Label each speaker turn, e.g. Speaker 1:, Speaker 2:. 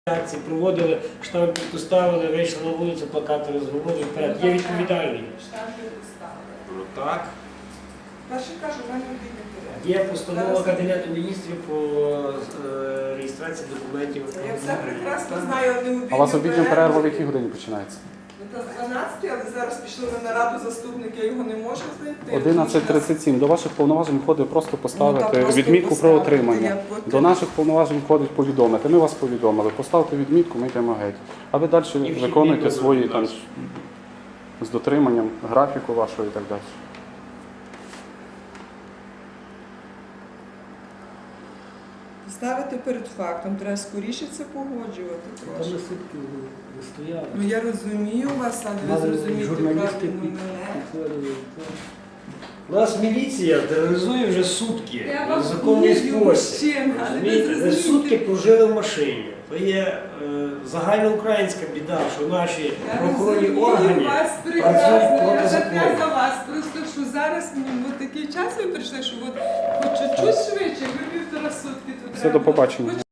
Speaker 1: акції проводили, штампи поставили, вийшли на вулицю, плакати розгорнули вперед. Є відповідальні.
Speaker 2: Штампи поставили.
Speaker 1: Ну так.
Speaker 2: Перше кажу, в мене обідня
Speaker 1: Є постанова Кабінету міністрів по реєстрації документів.
Speaker 2: Я все прекрасно знаю, одним обідню
Speaker 3: А у вас обідня перерва в якій годині починається?
Speaker 2: Це 12, але зараз пішли на нараду заступник, я його не можу знайти.
Speaker 3: 11:37. До ваших повноважень входить просто поставити
Speaker 2: просто
Speaker 3: відмітку про
Speaker 2: поставити.
Speaker 3: отримання.
Speaker 2: Я потім-
Speaker 3: До наших повноважень входить повідомити. Ми вас повідомили. Поставте відмітку, ми йдемо геть. А ви далі
Speaker 1: вхідні
Speaker 3: виконуєте
Speaker 1: дозволи,
Speaker 3: свої
Speaker 1: будь
Speaker 3: там
Speaker 1: ласка.
Speaker 3: з дотриманням графіку вашого і так далі.
Speaker 2: Ставити перед фактом, треба скоріше це погоджувати
Speaker 1: Там
Speaker 2: трошки.
Speaker 1: на сутки не стояли.
Speaker 2: Ну я розумію вас, але ви
Speaker 1: Мали
Speaker 2: зрозумієте
Speaker 1: журналісти
Speaker 2: правильно мене.
Speaker 1: підтвердили. У нас міліція тероризує вже сутки.
Speaker 2: Я
Speaker 1: В
Speaker 2: вам
Speaker 1: законний
Speaker 2: вірю,
Speaker 1: спосіб.
Speaker 2: мужчина, але ви
Speaker 1: Розумієте? Ви
Speaker 2: зрозумієте.
Speaker 1: сутки прожили в машині. То є загальноукраїнська біда, що наші
Speaker 2: Я
Speaker 1: правоохоронні
Speaker 2: розумію
Speaker 1: органи
Speaker 2: вас
Speaker 1: працюють
Speaker 2: прекрасно,
Speaker 1: проти
Speaker 2: я
Speaker 1: закону.
Speaker 2: за за вас. Просто що зараз такий час ви прийшли, що от хоч чуть-чуть швидше, ви 1,5 сутки тут.
Speaker 3: Все,
Speaker 2: треба
Speaker 3: до
Speaker 2: було.
Speaker 3: побачення.